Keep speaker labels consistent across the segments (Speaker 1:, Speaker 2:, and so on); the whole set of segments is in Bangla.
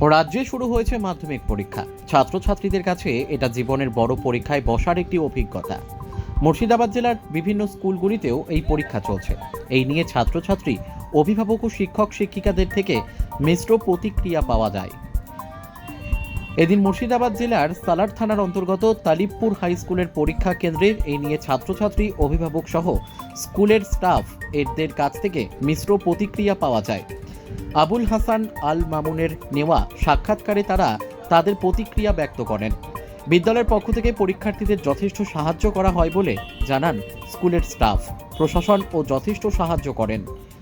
Speaker 1: রাজ্যে শুরু হয়েছে মাধ্যমিক পরীক্ষা। ছাত্রছাত্রীদের কাছে এটা জীবনের বড় পরীক্ষায় বসার একটি অভিজ্ঞতা। মুর্শিদাবাদ জেলার বিভিন্ন স্কুলগুলিতেও এই পরীক্ষা চলছে। এই নিয়ে ছাত্রছাত্রী, অভিভাবক ও শিক্ষক শিক্ষিকাদের থেকে মিশ্র প্রতিক্রিয়া পাওয়া যায়। এদিন মুর্শিদাবাদ জেলার সালার থানার অন্তর্গত তালিবপুর হাই স্কুলের পরীক্ষা কেন্দ্রের এই নিয়ে ছাত্রছাত্রী, অভিভাবক সহ স্কুলের স্টাফ এদের কাছ থেকে মিশ্র প্রতিক্রিয়া পাওয়া যায়। আবুল হাসান আল মামুনের নেওয়া সাক্ষাৎকারে তারা তাদের প্রতিক্রিয়া ব্যক্ত করেন। বিদ্যালয়ের পক্ষ থেকে পরীক্ষার্থীদের যথেষ্ট সাহায্য করা হয় বলে জানান স্কুলের স্টাফ। প্রশাসন ও যথেষ্ট সাহায্য করেন।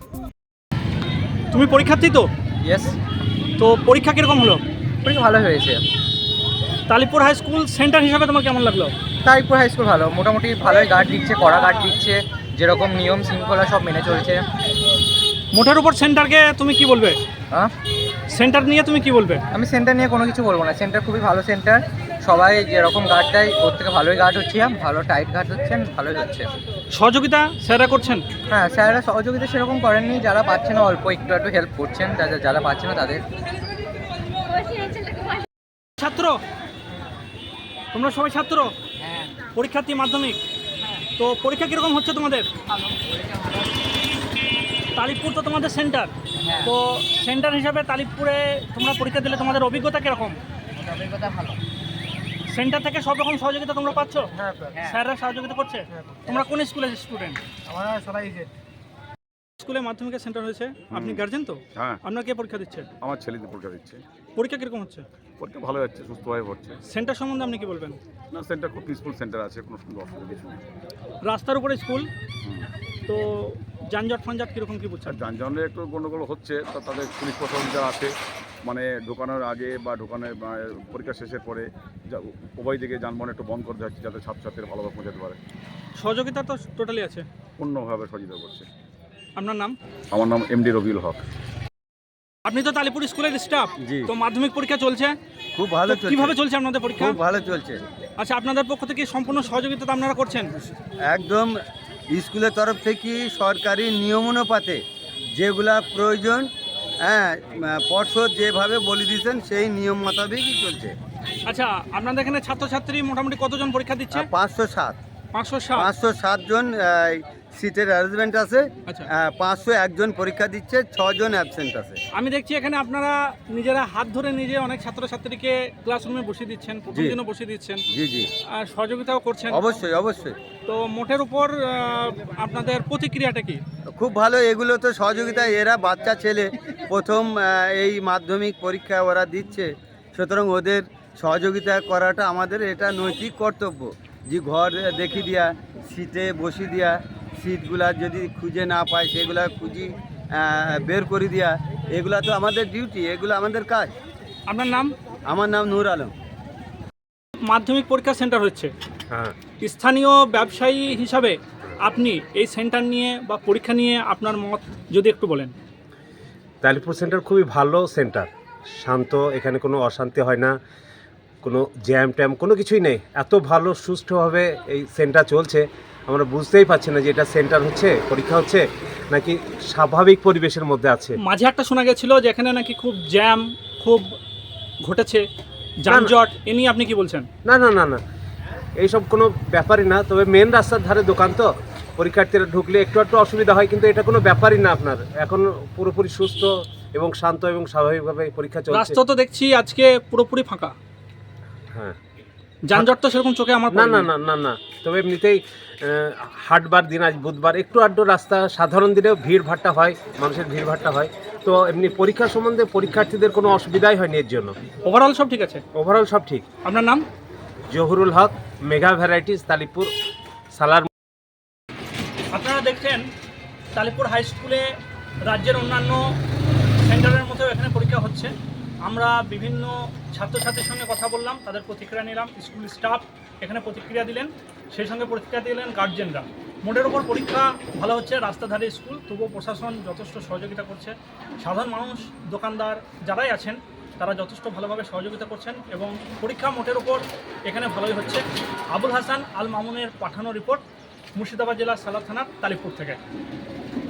Speaker 2: তুমি পরীক্ষার্থী তো?
Speaker 3: ইয়েস,
Speaker 2: তো পরীক্ষা কিরকম হলো?
Speaker 3: পরীক্ষা ভালো হয়েছে।
Speaker 2: তালিপুর হাই স্কুল সেন্টার হিসাবে তোমার কেমন লাগলো?
Speaker 3: তারিকপুর হাই স্কুল ভালো, মোটামুটি ভালোই গার্ড দিচ্ছে, কড়া গার্ড দিচ্ছে, যেরকম নিয়ম শৃঙ্খলা সব মেনে চলছে।
Speaker 2: মোটের উপর সেন্টারকে তুমি কি বলবে?
Speaker 3: হ্যাঁ,
Speaker 2: সেন্টার নিয়ে তুমি কি বলবে?
Speaker 3: আমি সেন্টার নিয়ে কোনো কিছু বলবো না। সেন্টার খুবই ভালো সেন্টার, সবাই যেরকম গার্ড দেয় ওর থেকে ভালোই গার্ড হচ্ছে, ভালো টাইট গার্ড হচ্ছেন, ভালোই হচ্ছে।
Speaker 2: সহযোগিতা স্যাররা করছেন?
Speaker 3: হ্যাঁ, স্যাররা সহযোগিতা সেরকম করেননি, যারা পাচ্ছে না অল্প একটু একটু হেল্প করছেন, যারা পাচ্ছে না তাদের।
Speaker 2: ছাত্র, তোমরা সবাই ছাত্র? পরীক্ষার্থী মাধ্যমিক। তো পরীক্ষা কিরকম হচ্ছে তোমাদের? তালিবপুর তো তোমাদের সেন্টার। তো সেন্টার হিসাবে তালিবপুরে তোমরা পরীক্ষা দিলে তোমাদের অভিজ্ঞতা কিরকম?
Speaker 3: অভিজ্ঞতা ভালো।
Speaker 2: সেন্টার থেকে সব রকম সহযোগিতা তোমরা পাচ্ছ?
Speaker 3: হ্যাঁ,
Speaker 2: স্যাররা সহযোগিতা করছে? তোমরা কোন স্কুলের স্টুডেন্ট?
Speaker 3: আমরা সবাই
Speaker 2: স্কুলে মাধ্যমিকের সেন্টার হয়েছে, আপনি গার্জেন তো?
Speaker 4: হ্যাঁ,
Speaker 2: আপনার কে পরীক্ষা দিচ্ছে?
Speaker 4: আমার ছেলেদের পরীক্ষা দিচ্ছে।
Speaker 2: পরীক্ষা কিরকম হচ্ছে?
Speaker 4: পরীক্ষা ভালো যাচ্ছে, সুস্থভাবে হচ্ছে।
Speaker 2: সেন্টার সম্বন্ধে আপনি কি বলবেন?
Speaker 4: না, সেন্টার খুব পিসফুল সেন্টার আছে, কোনো অসুবিধা কিছু নেই।
Speaker 2: রাস্তার উপরে স্কুল, তো যানজট ফানজট কিরকম কি
Speaker 4: আর
Speaker 2: বুঝছেন?
Speaker 4: যানবাহনের একটু গণ্ডগোল হচ্ছে, তো তাদের পুলিশ প্রশাসন যারা আছে, মানে ঢোকানোর আগে বা ঢোকানোর পরীক্ষা শেষের পরে উভয় দিকে যানবাহন একটু বন্ধ করতে হচ্ছে, যাতে ছাত্রছাত্রীরা ভালোভাবে পৌঁছাতে পারে।
Speaker 2: সহযোগিতা তো টোটালি আছে।
Speaker 4: পূর্ণভাবে সহযোগিতা করছে।
Speaker 2: আপনার নাম?
Speaker 4: আমার নাম এমডি রবিউল হক।
Speaker 2: আপনি তো তালিপুর স্কুলের স্টাফ।
Speaker 5: জি।
Speaker 2: তো মাধ্যমিক পরীক্ষা চলছে,
Speaker 5: খুব ভালো
Speaker 2: তো
Speaker 5: চলছে।
Speaker 2: কিভাবে চলছে আপনাদের পরীক্ষা?
Speaker 5: খুব ভালো চলছে।
Speaker 2: আচ্ছা, আপনাদের পক্ষ থেকে সম্পূর্ণ সহযোগিতা তো আপনারা করছেন?
Speaker 5: একদম স্কুলের তরফ থেকে সরকারি নিয়ম অনুপাতে যেগুলা প্রয়োজন, হ্যাঁ, পর্ষদ যেভাবে বলে দিয়েছেন সেই নিয়ম মোতাবেকই চলছে।
Speaker 2: আচ্ছা, আপনাদের এখানে ছাত্রছাত্রী মোটামুটি কতজন পরীক্ষা দিচ্ছে?
Speaker 5: 507
Speaker 2: 507।
Speaker 5: জন সিটের অ্যারেঞ্জমেন্ট আছে।
Speaker 2: আচ্ছা।
Speaker 5: 501 জন পরীক্ষা দিচ্ছে, 6 জন অ্যাবসেন্ট আছে।
Speaker 2: আমি দেখছি এখানে আপনারা নিজেরা হাত ধরে নিজে অনেক ছাত্রছাত্রীকে ক্লাসরুমে বসিয়ে দিচ্ছেন, প্রথম
Speaker 5: জি।
Speaker 2: দিনও বসিয়ে দিচ্ছেন,
Speaker 5: জি জি,
Speaker 2: আর সহযোগিতাও করছেন।
Speaker 5: অবশ্যই অবশ্যই।
Speaker 2: তো মোটের উপর আপনাদের প্রতিক্রিয়াটা কি?
Speaker 5: খুব ভালো, এগুলো তো সহযোগিতা। এরা বাচ্চা ছেলে, প্রথম এই মাধ্যমিক পরীক্ষা ওরা দিচ্ছে, সুতরাং ওদের সহযোগিতা করাটা আমাদের এটা নৈতিক কর্তব্য। যে ঘর দেখি দিয়া, সিটে বসি দিয়া, সিটগুলা যদি খুঁজে না পায় সেগুলা খুঁজি বের করে দিয়া, এগুলা তো আমাদের ডিউটি, এগুলো আমাদের কাজ।
Speaker 2: আপনার নাম?
Speaker 5: আমার নাম নূর আলম।
Speaker 2: মাধ্যমিক পরীক্ষা সেন্টার হচ্ছে,
Speaker 6: হ্যাঁ,
Speaker 2: স্থানীয় ব্যবসায়ী হিসাবে আপনি এই সেন্টার নিয়ে বা পরীক্ষা নিয়ে আপনার মত যদি একটু বলেন।
Speaker 6: তালিপুর সেন্টার খুবই ভালো সেন্টার, শান্ত, এখানে কোনো অশান্তি হয় না, কোনো জ্যাম ট্যাম কোনো কিছুই নেই। এত ভালো সুষ্ঠুভাবে এই সেন্টার চলছে, আমরা বুঝতেই পারছি না যে এটা সেন্টার হচ্ছে, পরীক্ষা হচ্ছে নাকি স্বাভাবিক পরিবেশের মধ্যে আছে।
Speaker 2: মাঝে একটা শোনা গেছিল যে এখানে নাকি খুব জ্যাম খুব ঘটেছে, যানজট, এ নিয়ে আপনি কি বলছেন?
Speaker 6: না না না না, এইসব কোনো ব্যাপারই না। তবে মেন রাস্তার ধারে দোকান তো, পরীক্ষার্থীরা ঢুকলে একটু একটু অসুবিধা হয়, কিন্তু এটা কোনো ব্যাপারই না। আপনার এখন পুরোপুরি সুস্থ এবং শান্ত এবং স্বাভাবিকভাবে পরীক্ষা চলছে।
Speaker 2: রাস্তা তো দেখছি আজকে পুরোপুরি ফাঁকা।
Speaker 6: হ্যাঁ,
Speaker 2: যানজট তো সেরকম চোখে আমার
Speaker 6: না
Speaker 2: পড়েনি।
Speaker 6: না না না না, তবে এমনিতেই হাটবার দিন, আজ বুধবার, একটু আধটু রাস্তা সাধারণ দিনেও ভিড় ভাট্টা হয়, মানুষের ভিড় ভাট্টা হয়। তো এমনি পরীক্ষা সম্বন্ধে পরীক্ষার্থীদের কোনো অসুবিধাই হয়নি এর জন্য।
Speaker 2: ওভারঅল সব ঠিক আছে?
Speaker 6: ওভারঅল সব ঠিক।
Speaker 2: আপনার নাম?
Speaker 6: Zahurul Haque, mega varieties, Talipur, Salar.
Speaker 2: আপনারা দেখছেন তালিপুর হাই স্কুলে রাজ্যের অন্যান্য সেন্টারের মতো এখানে পরীক্ষা হচ্ছে। আমরা বিভিন্ন ছাত্রছাত্রীর সঙ্গে কথা বললাম, তাদের প্রতিক্রিয়া নিলাম। স্কুল স্টাফ এখানে প্রতিক্রিয়া দিলেন, সেই সঙ্গে প্রতিক্রিয়া দিলেন গার্জেনরা। মোটের ওপর পরীক্ষা ভালো হচ্ছে, রাস্তাধারে স্কুল, তবুও প্রশাসন যথেষ্ট সহযোগিতা করছে। সাধারণ মানুষ, দোকানদার যারাই আছেন তারা যথেষ্ট ভালোভাবে সহযোগিতা করছেন এবং পরীক্ষা মোটের ওপর এখানে ভালোই হচ্ছে। আবুল হাসান আল মামুনের পাঠানো রিপোর্ট, মুর্শিদাবাদ জেলার সালার থানার তালিপুর থেকে।